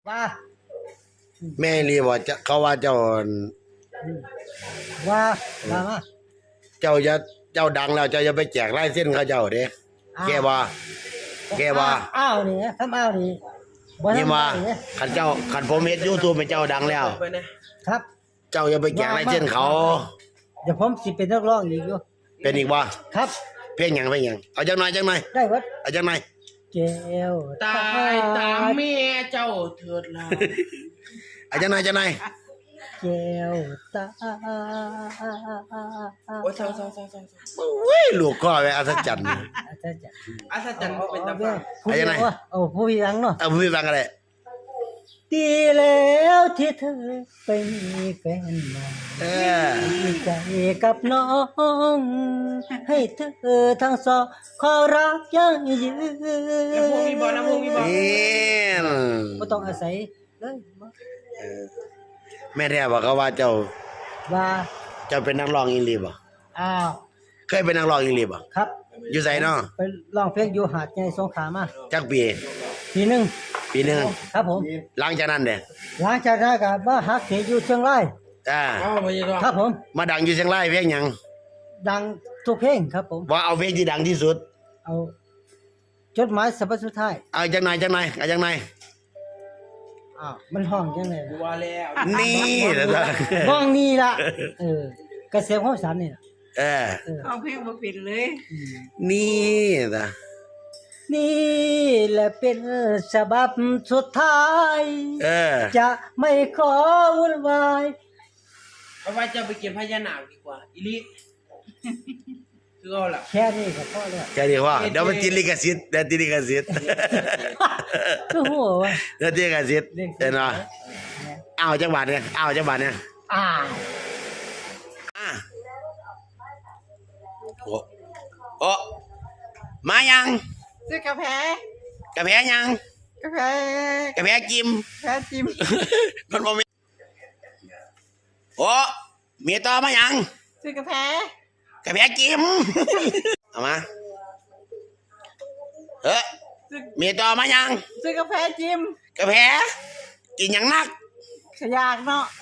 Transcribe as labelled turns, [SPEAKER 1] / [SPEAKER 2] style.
[SPEAKER 1] ว่า
[SPEAKER 2] แม่รีบอกจะเขาว่าเจ้า
[SPEAKER 1] ว่ามา
[SPEAKER 2] เจ้าจะเจ้าดังแล้วเจ้าจะไปแจกลายเส้นเขาเจ้าเด้แกว่า
[SPEAKER 1] อ้าวนี่ทำอ้าวนี่
[SPEAKER 2] นี่มาขันผมเฮ็ด YouTube ให้เจ้าดังแล้ว
[SPEAKER 1] ครับ
[SPEAKER 2] เจ้าอย่าไปแจกลายเส้นเขา
[SPEAKER 1] เดี๋ยวผมสิเป็นนักร้องอีกอยู่
[SPEAKER 2] เป็นอีกบ่
[SPEAKER 1] ครับ
[SPEAKER 2] เพลงหยังเอาจังหน่อย
[SPEAKER 1] ได้วัด
[SPEAKER 2] เอาจังหน่อย
[SPEAKER 1] เจ้า
[SPEAKER 3] ตายตามแม่เจ้าเถิดล่ะ
[SPEAKER 2] เอาจังหน่อย
[SPEAKER 1] เจ้าตา
[SPEAKER 3] โอ้ยเศร้า
[SPEAKER 2] โอ้ยลูกก็ไปอัศจรรย์
[SPEAKER 3] อัศจรรย์บ่เป็นตาฟัง
[SPEAKER 1] เอาจังไงโอ้ผู้หญิงเนาะ
[SPEAKER 2] เอาพูดฟังกันเลย
[SPEAKER 1] ดีแล้วที่เธอไปมีแฟนใหม่ดีใจกับน้องให้เธอทั้งสองขอรักยั่งยืน
[SPEAKER 3] แล้วพวกมีบ่
[SPEAKER 1] บ่ต้องอาศัยเลย
[SPEAKER 2] แม่แท้บอกเขาว่าเจ้าเป็นนักร้องอีหลีบ่
[SPEAKER 1] อ้าว
[SPEAKER 2] เคยเป็นนักร้องอีหลีบ่
[SPEAKER 1] ครับ
[SPEAKER 2] อยู่ไสเนาะ
[SPEAKER 1] ไปร้องเพลงอยู่หาดใหญ่สงขลามา
[SPEAKER 2] จักปี
[SPEAKER 1] นึงครับผม
[SPEAKER 2] หลังจากนั้นเด้
[SPEAKER 1] หลังจากนั้นก็มาฮักอยู่เชียงรายครับผม
[SPEAKER 2] มาดังอยู่เชียงรายเพลงหยัง
[SPEAKER 1] ดังทุกเพลงครับผม
[SPEAKER 2] ว่าเอาเพลงที่ดังที่สุด
[SPEAKER 1] เอาจดหมายฉบับสุดท้าย
[SPEAKER 2] เอาจังไหน
[SPEAKER 1] อ้าวมันห้องจังได๋
[SPEAKER 3] ว่าแล้ว
[SPEAKER 2] นี่ล่ะ
[SPEAKER 1] ห้องนี้ล่ะเกษตรของฉันนี่
[SPEAKER 3] เอาเพลงบ่เป็นเลย
[SPEAKER 2] นี่ล่ะ
[SPEAKER 1] นี่แหละเป็นฉบับสุดท้ายจะไม่ขอวุ่นวาย
[SPEAKER 3] เพราะว่าจะไปเก็บพญานาคดีกว่าอีลิคือเอาล่ะ
[SPEAKER 1] แค่นี้ก็พอแล้ว
[SPEAKER 2] แค่นี้ว่าเดี๋ยวมันติดลิขสิทธิ์
[SPEAKER 1] คือหัววะ
[SPEAKER 2] เดี๋ยวติดลิขสิทธิ์เห็นบ่เอาจังหวัดเนี่ยโอ้มายัง
[SPEAKER 3] ซื้อกาแฟ
[SPEAKER 2] ยังกาแฟจิมมันบ่มีโอ้มีต่อมายัง
[SPEAKER 3] ซื้อกาแฟ
[SPEAKER 2] จิมเอามามีต่อมายัง
[SPEAKER 3] ซื้อกาแฟจิม
[SPEAKER 2] กาแฟกินหยังนัก
[SPEAKER 3] ขยากเนาะ